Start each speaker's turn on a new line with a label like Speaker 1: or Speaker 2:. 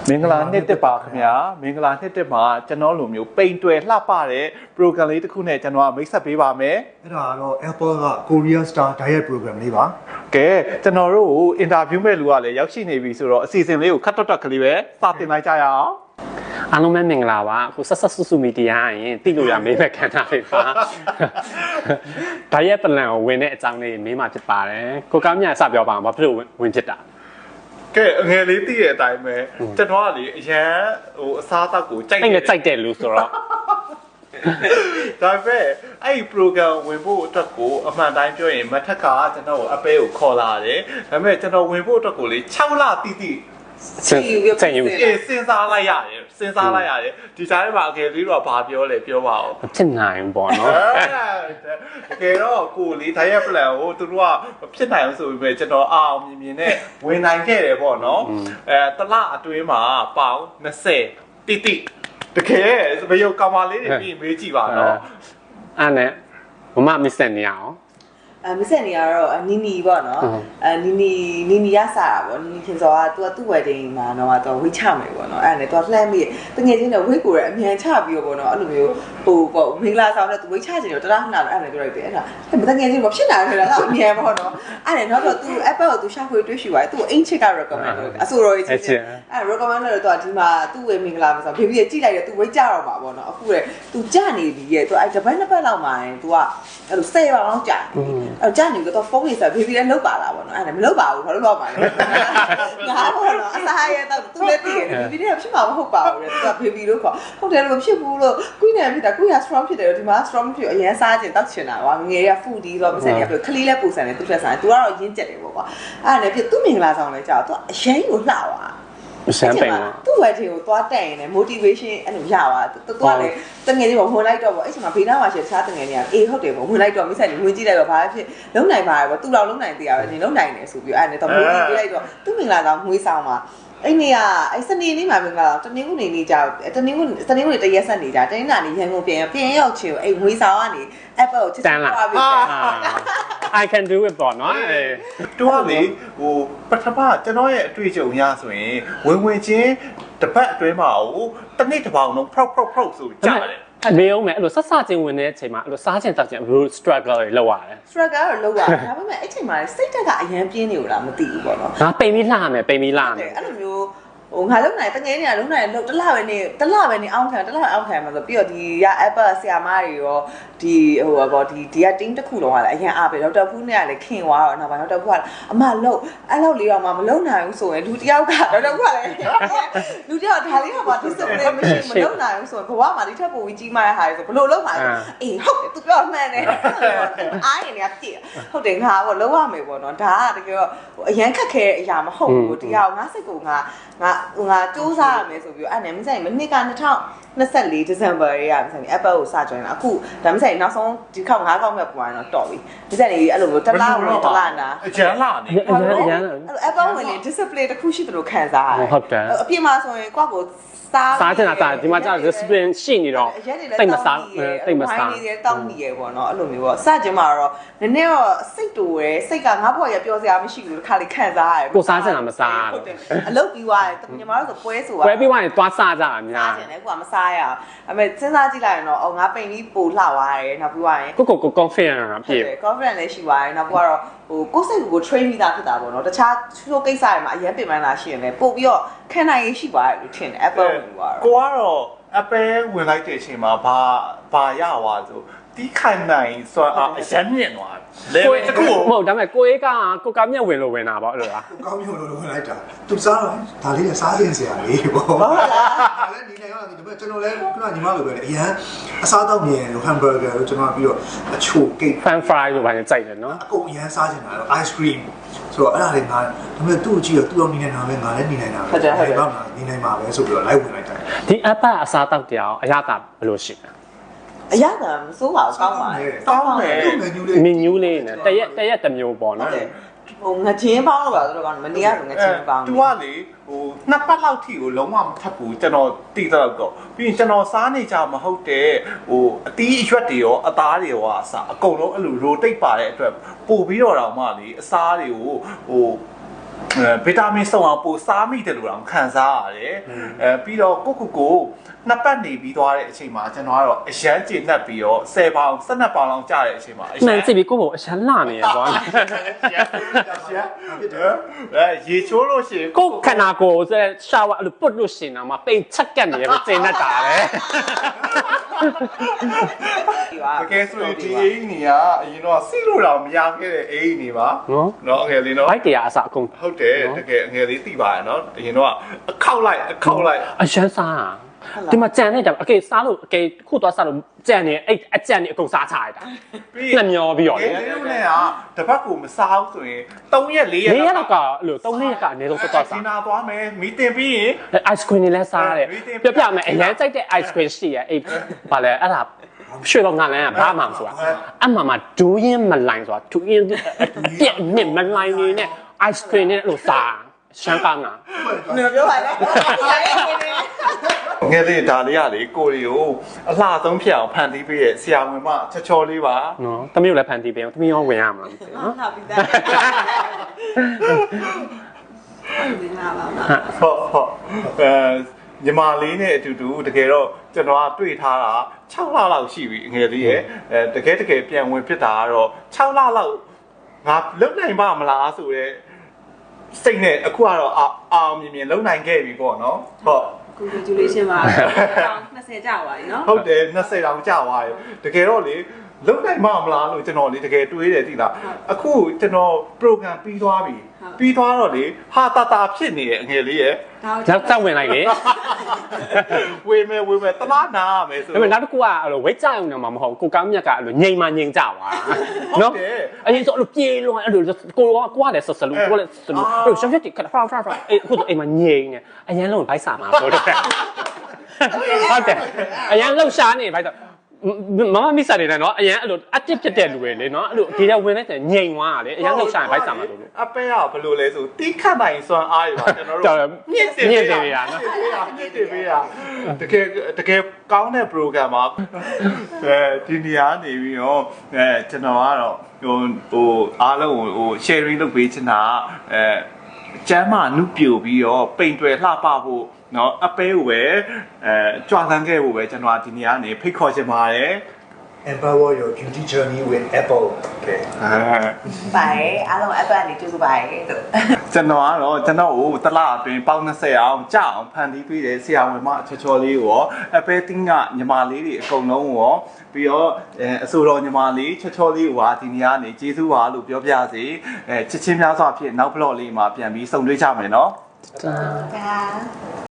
Speaker 1: မင်္ဂလာနှစ်တက်ပါခင်ဗျာမင်္ဂလာနှစ်တက်မှာကျွန်တော်လိုမျိုးပိန်တွယ်လှပတဲ့ program လေးတစ်ခုနဲ့ကျွန်တော်ကမိတ်ဆက်ပေးပါမယ်
Speaker 2: အဲ့ဒါကတော့ Apple က Korea Star Diet Program လေးပါ
Speaker 1: ကဲကျွန်တော်တို့ကို interview မဲ့လူကလည်းရောက်ရှိနေပြီဆိုတော့အစီအစဉ်လေးကိုခတ်တွတ်ကလေးပဲစတင်လိုက်ကြရအောင်
Speaker 3: အားလုံးပဲမင်္ဂလာပါအခုဆက်ဆက်စုမီဒီယာရင်တိလို့ရမေးမဲ့ခန္ဓာလေးပါဒါရဲ့ plan ကိုဝင်တဲ့အကြောင်းလေးမေးမှဖြစ်ပါတယ်ကိုကောင်းမြတ်စပြောပါအောင်ဘာဖြစ်လို့ဝင်ဖြစ်တာ
Speaker 1: ကဲအငယ်လေးသိတဲ့အတိုင်းပဲကျွန်တော်ကလေအရန်ဟိုအစားအသောက်ကိုကြိုက်
Speaker 3: တယ်လူဆိုတော့
Speaker 1: ဒါပေမဲ့အဲ့ဒီ program ဝင်ဖို့အတွက်ကိုအမှန်တိုင်းပြောရင်မထက်ကကျွန်တော်ကိုအပဲကိုခေါ်လာတယ်ဒါပေမဲ့ကျွန်တော်ဝင်ဖို့အတွက်ကိုလေ6လတိတိ
Speaker 3: စဉ်
Speaker 1: းစားလိုက်ရတယ်ဒီစားထဲမှာအကယ်လေးတော့ဘာပြောလဲပြောပါဦး
Speaker 3: ဖြစ်နိုင်ပေါ့နော်
Speaker 1: တကယ်တော့ကိုလေး diet plan ကိုသူတို့ကဖြစ်နိုင်အောင်ဆိုပြီးပဲကျွန်တော်အောင်မြင်နဲ့ဝင်နိုင်ခဲ့တယ်ပေါ့နော်တလအတွင်းမှာပေါင်20တိတိတကယ်ဘယ်ရောကောင်မလေးတွေပြီးမေးကြည့်ပါနော်
Speaker 3: အဲ့နဲ့မမစ်စက်နေအောင်
Speaker 4: မစ်ဆက်နေရတော့နီပေါ့နော်နီရစားတာပေါ့နီခင်စောကသူ့ wedding မှာတော့သူဝိတ်ချမယ်ပေါ့နော်အဲ့ဒါနဲ့သူလှမ်းပြီးတငယ်ချင်းတော့ဝိတ်ကိုရအမြန်ချပြီးတော့ပေါ့နော်အဲ့လိုမျိုးဟိုပေါ့မင်္ဂလာဆောင်နဲ့သူဝိတ်ချချင်တော့တလားခဏအဲ့ဒါနဲ့ပြောလိုက်တယ်အဲ့ဒါတငယ်ချင်းမဖြစ်နိုင်ဘူးလားအမြန်ပေါ့နော်အဲ့ဒါနောက်တော့သူ Apple ကိုသူရှာဖွေတွေ့ရှိသွားတယ်သူအင်ချစ်က recommend လုပ်အဆိုတော်ကြီးချင်းအဲ့ recommend လုပ်တော့ဒီမှာသူ့ဝေမင်္ဂလာဆိုဘေဘီကကြည့်လိုက်တယ်သူဝိတ်ကြတော့မှာပေါ့နော်အခုလေသူကြနေပြီရဲ့သူအဲ့တပတ်နှစ်ပတ်လောက်မှာသူကအဲ့လို10ပါအောင်ကြာအဲ့ကြာနေတော့ဖုန်းကြီးဆိုဘေဘီလည်းလုတ်ပါလားပေါ့နော်အဲ့ဒါမလုတ်ပါဘူးဘာလို့လောက်ပါလဲငါပေါ့နော်အစားရတော့သူလည်းတည်တယ်ဘေဘီလည်းဖြစ်မှာမဟုတ်ပါဘူးလေသူကဘေဘီလို့ခေါ်ဟုတ်တယ်လို့ဖြစ်ဘူးလို့ကွင်းနေဖြစ်တာကွင်းက strong ဖြစ်တယ်ဒီမှာ strong ဖြစ်အရင်စားချင်တောက်ချင်တာကွာငယ်ရ food ဒီတော့မစက်ရပြခလီးလည်းပူဆန်တယ်သူ့ထက်ဆိုင်သူကတော့ရင်းကျက်တယ်ပေါ့ကွာအဲ့ဒါနဲ့ပြသူ့မင်္ဂလာဆောင်လဲကြာသူအရင်ကိုလှသွား
Speaker 3: ရှမ်းပိန်ပါ
Speaker 4: သူ့ wedding ကိုသွားတက်ရင်လည်း motivation အဲ့လိုရသွားသူကလည်းတငယ်ချင်းပေါ့ဝင်လိုက်တော့ပေါ့အဲ့ချိန်မှာဘေးနားမှာရှိတခြားတငယ်ချင်းကအေးဟုတ်တယ်ပေါ့ဝင်လိုက်တော့မိဆိုင်ကြီးဝင်ကြည့်လိုက်တော့ဘာဖြစ်လုံးနိုင်ပါရဲ့ပေါ့သူ့လောက်လုံးနိုင်သေးရပဲနေလုံးနိုင်တယ်ဆိုပြီးအဲ့နဲ့တော့ motivate ပေးလိုက်တော့သူ့မင်္ဂလာဆောင်ငွေဆောင်မှာအဲ့နေကအဲ့စနေနေ့မှာမင်္ဂလာဆောင်တနင်္ဂနွေနေ့ကြာတနင်္ဂနွေတရက်ဆက်နေကြတနင်္လာနေ့ရန်ကုန်ပြန်ရောက်ချင်အဲ့ငွေဆောင်ကနေ Apple ကိုချစ်သွားပြီး
Speaker 3: I can do it ပေါ့နော်
Speaker 1: တူကလေဟိုပထမကျွန်တော်ရဲ့အတွေ့အကြုံရဆိုရင်ဝင်ချင်းတစ်ပတ်အတွင်းမှာဟိုတစ်နေ့တစ်ပေါင်လုံးဖောက်ဆိုကြားတယ်
Speaker 3: မေးအောင်မယ်အဲ့လိုဆက်ချင်းဝင်တဲ့အချိန်မှာအဲ့လိုစားချင်တောက်ချင် struggle တွေလောက်ရတယ်
Speaker 4: struggle တော့လောက်ရတယ်ဒါပေမဲ့အဲ့ချိန်မှာစိတ်တက်ကအရန်ပြင်းနေလို့လားမသိဘူးပေါ့နော်
Speaker 3: ငါပိန်ပြီးလှမယ်အဲ့လို
Speaker 4: မျိုးဟိုငါလုံးနိုင်တငယ်နေရလုံးနိုင်လို့တလားပဲနေအောင်းခံမှာဆိုပြီးတော့ဒီရ Apple ဆရာမတွေရောဒီဟိုပေါ့ဒီက team တစ်ခုလုံးကလည်းအရင်အားပဲဒေါက်တာဖူးနဲ့ကလည်းခင်သွားတော့နောက်ပိုင်းဒေါက်တာဖူးကအမလုံးအဲ့လောက်လေးတော့မှမလုံးနိုင်ဘူးဆိုရင်လူတယောက်ကဒေါက်တာဖူးကလည်းလူတယောက်ဒါလေးကမှ discipline မရှိမလုံးနိုင်ဘူးဆိုရင်ဘဝမှာဒီထက်ပိုပြီးကြီးမားတဲ့ဟာတွေဆိုဘလို့လုံးမှာအေးဟုတ်တယ်သူပြောမှန်တယ်အားရင်လည်းပြည့်ဟုတ်တယ်ငါပေါ့လုံးဝမယ်ပေါ့နော်ဒါကတကယ်တော့အရန်ခက်ခဲတဲ့အရာမဟုတ်ဘူးဒီဟာငါစိတ်ကငါစူးစမ်းရမယ်ဆိုပြီးအဲ့နဲ့မဆိုင်မနှစ်က2024 December ရေးရမဆိုင် Apple ကိုစjoin လာအခုဒါမဆိုင်နောက်ဆုံးဒီခေါက်9ခေါက်မြောက်ပွားတော့တော်ပြီဒီဆိုင်ကြီးအဲ့လိုမျိုးတလားနာ
Speaker 1: အကျန်းလာနေ
Speaker 4: Apple ဝင်နေ display တစ်ခုရှိတယ်လို့ခံစားရတယ်
Speaker 3: ဟုတ်တယ်
Speaker 4: အပြင်မှာဆိုရင်ကိုယ့်ကို
Speaker 3: စားချင်တာဒီမှာကျ discipline ရှိနေတော့တိတ်မစား
Speaker 4: နေတယ်တောင်းနေရပေါ့နော်အဲ့လိုမျိုးပေါ့စကြင်မှာတော့နည်းနည်းတော့စိတ်တူရယ်စိတ်ကငါ့ဘဝရပြောစရာမရှိဘူးတခါလေခံစားရတယ်
Speaker 3: ကိုစားချင်တာမစား
Speaker 4: ဟုတ်တယ်အလုပ်ပြီးသွားတယ်ညီမတို့ဆိုပွဲဆိုတာ
Speaker 3: ပွဲပြီးသွားရင်သွားစားကြတာများ
Speaker 4: စားချင်တယ်ကိုကမစားရအောင်အဲ့မဲ့စဉ်းစားကြည့်လိုက်ရင်တော့ငါပိန်ပြီးပို့လှသွားတယ်နောက်ပြီးသွားရင်
Speaker 3: ကို confident တာပြည့်
Speaker 4: confident လည်းရှိသွားတယ်နောက်ပြီးတော့ဟိုကိုယ်စိတ်ကို train ပြီးသားဖြစ်တာပေါ့နော်တခြားချိုးကိစ္စတွေမှာအရင်ပြင်ပန်းလာရှိရင်လည်းပို့ပြီးတော့ခံနိုင်ရရှိသွားတယ်လို့ထင်တယ် Apple ဝင်သွား
Speaker 1: တော့ကိုကတော့ Apple ဝင်လိုက်တဲ့အချိန်မှာဘာရသွားဆိုတီးခိုင်နိုင်ဆိုအရင်မြင်သွားလေဝဲတကူ
Speaker 3: မဟုတ်ဒါပေမဲ့ကိုအေးကကိုကမြက်ဝင်လို့ဝင်တာပေါ့အဲ့လိုလား
Speaker 2: ကိုကောင်းမြတ်လို့ဝင်လိုက်တာသူစားတော့ဒါလေးနဲ့စားခြင်းစရာလေးပေါ့ဟုတ်လားလည်းဒီနေရောဒီကျွန်တော်လည်းခုနညီမလိုပဲအရန်အစားတောက်မြင်လို့ hamburger လို့ကျွန်တော်ပြီးတော့အချို cake
Speaker 3: pan fry လို့ဘာလဲကြိုက်တယ်နော်
Speaker 2: အကုန်အရန်စားခြင်းတာတော့ ice cream ဆိုတော့အဲ့ဒါလေးငါဒါပေမဲ့သူ့ကြည့်တော့သူ့အောင်နေနေတာပဲငါလည်းနေနေတာပဲဟုတ်ပါမှာနေနိုင်မှာပဲဆိုပြီးတော့လိုက်ဝင်လိုက်တာ
Speaker 3: ဒီ app အစားတောက်တရားအရသာဘယ်လိုရှိလဲ
Speaker 4: အရသာမစိုးပါဘူးကောင်းပါတယ်
Speaker 3: မင်းညူးလေးနဲ့တရက်တစ်မျိုးပေါ့နော်
Speaker 4: ဟိုငချင်းပေါင်းလို့ပါဆိုတော့မနေရဘူးငချင်းပေါင်း
Speaker 1: သူကလေဟိုနှစ်ပတ်လောက်ထိကိုလုံးဝမထပ်ဘူးကျွန်တော်တိတော့တော့ပြီးရင်ကျွန်တော်စားနေကြမဟုတ်တဲ့ဟိုအသီးအရွက်တွေရောအသားတွေရောအစားအကုန်လုံးအဲ့လို rotate ပါတဲ့အတွက်ပို့ပြီးတော့မှလေအစားတွေကိုဟိုဗီတာမင်စုံအောင်ပိုစားမိတယ်လို့တော့ခံစားရတယ်ပြီးတော့ကိုနှစ်ပတ်နေပြီးသွားတဲ့အချိန်မှာကျွန်တော်ကတော့အရန်ကျေနပ်ပြီးတော့10ပေါင်12ပေါင်လောက်ကျတဲ့အချိန်မှာအရန်
Speaker 3: မှန်ကြည့်ပြီးကိုယ့်ကိုအရှမ်းလာနေရကွာ
Speaker 1: ရေချိုးလို့ရှိရင်
Speaker 3: ကိုခန္ဓာကိုယ်ဆိုရှာဝါအဲ့လိုပုတ်လို့ရှင်တော့မှပိန်ချက်ကက်နေရပဲကျင်းတတ်တာပဲ
Speaker 1: တကယ်ဆိုရင်ဒီအိမ်ကြီးကအရင်တော့စီးလို့တော့မရခဲ့တဲ့အိမ်ကြီးပါနော်အငယ်လေးနော်
Speaker 3: ဘိုက်တရားအစအကုန်
Speaker 1: ဟုတ်တယ်တကယ်အငယ်လေးသိပါရဲ့နော်အရင်တော့အခောက်လိုက်
Speaker 3: အရှမ်းစားတာဒီမှာကြံနေတာအကေစားလို့အကေခုသွားစားလို့ကြံနေအဲ့အကြံနေအကုန်စားချလိုက်တာနှစ်မျောပြီးတော့လေ
Speaker 1: ဒီလိုနဲ့ကတပတ်ကိုမစားဘူးဆိုရင်3ရက်4ရက်
Speaker 3: 4ရက်လောက်ကအဲ့လို3ရက်ကအနည်းဆုံးသွားစား
Speaker 1: ဒီနာသွားမယ်မီတင်ပြီးရင်
Speaker 3: ice cream တွေလည်းစားတယ်ပြမယ်အရင်ကြိုက်တဲ့ ice cream ရှိရအဲ့ဗာလဲအဲ့ဒါရွှေတော့ငါလည်းဘာမှမဆိုတာအမှမှာဒူးရင်မလိုင်းဆိုတာဒူးရင်ပြက်နစ်မလိုင်းနေနဲ့ ice cream နဲ့လို့စားရှမ်းကောင်းတာ
Speaker 4: နေပြောပါလေ
Speaker 1: ငယ်လေးဒါလေးရလေကိုရီကိုအလှဆုံးဖြစ်အောင်ဖန်တီးပေးရဲ့ဆရာဝန်မချော်လေးပါ
Speaker 3: နော်တမီးကိုလည်းဖန်တီးပေးအောင်တမီးရောဝင်ရမှာမသိနော်
Speaker 4: ဟာပြီးသားဒီနာပါမ
Speaker 1: ဟုတ်ညီမလေးနဲ့အတူတူတကယ်တော့ကျွန်တော်ကတွေ့ထားတာ6လလောက်ရှိပြီငယ်လေးရဲ့တကယ်ပြန်ဝင်ဖြစ်တာကတော့6လလောက်ငါလုံနိုင်ပါမလားဆိုတော့စိတ်နဲ့အခုကတော့အောင်မြင်လုံနိုင်ခဲ့ပြီပေါ့နော်ဟုတ်
Speaker 4: congratulation ပါ20ကြာပါပြီနော်
Speaker 1: ဟုတ်တယ်20တောင်ကြာသွားတယ်တကယ်တော့လေလုံနိုင်မလားလို့ကျွန်တော်လေတကယ်တွေးတယ်သိလားအခုကျွန်တော် program ပြီးသွားပြီပြီးသွားတော့လေဟာတာဖြစ်နေရဲ့အငယ်လေးရဲ့
Speaker 3: ကြောက်ဝင်လိုက်လေ
Speaker 1: ဝေမယ်တလားနာရမယ်ဆို
Speaker 3: ဒါပေမဲ့နောက်တစ်ခုကအဲ့လိုဝိတ်ကြအောင်တော့မဟုတ်ကိုကောင်းမြတ်ကအဲ့လိုငိမ်မှငိမ်ကြသွားနော်အရင်ဆိုအဲ့လိုပြေးလွန်အဲ့လိုကိုကလည်းဆက်လူကိုလည်းဆက်လူအဲ့လိုရှောက်ရှက်ခါဖာအဲ့အခုအိမ်မှာငိမ်နေအရင်လုံးဘိုက်စာမှာဆိုတော့ဟုတ်တယ်အရင်လှုပ်ရှားနေဘိုက်တော့မမမစ်စာနေတယ်နော်အရင်အဲ့လို active ဖြစ်တဲ့လူတွေလေနော်အဲ့လိုဒီကဝင်လိုက်တယ်ငိမ်သွားတာလေအရင်လှုပ်ရှားရင်ဘိုက်စာမှာလို့
Speaker 1: အပဲကဘယ်လိုလဲဆိုတီးခတ်နိုင်စွမ်းအားရပါကျွန်တော်တို့မြင့်တင်ပေးရနော်မြင့်တင်ပေးရတကယ်ကောင်းတဲ့ program မှာဒီနေရာနေပြီးတော့ကျွန်တော်ကတော့ဟိုအားလုံးဟို sharing လုပ်ပေးချင်တာကျမ်းမာနုပြိုပြီးတော့ပိန်တွယ်လှပဖို့နော်အပဲကိုပဲကြွားဆန်းခဲ့ဖို့ပဲကျွန်တော်ဒီနေရာနေဖိတ်ခေါ်ချင်ပါတယ်
Speaker 2: Empower your beauty journey with Apple. Okay.
Speaker 4: ပါတယ်အားလုံး Apple ကနေကြိုးစားပါတယ်တို့
Speaker 1: ကျွန်တော်ကတော့ကျွန်တော်ကိုတလအတွင်းပေါင်း20အောင်ကြအောင်ဖန်တီးပေးတယ်ဆရာဝန်မချော်လေးကိုရောအပဲတင်းကညီမလေးတွေအကုန်လုံးကိုရောပြီးတော့အဆိုတော်ညီမလေးချော်လေးကိုဟာဒီနေ့ကနေကျေးဇူးပါလို့ပြောပြစေချစ်ချင်းများစွာဖြင့်နောက်ဘလော့လေးမှာပြန်ပြီးဆုံတွေ့ကြမယ်နော်
Speaker 3: တာ
Speaker 4: ဒါ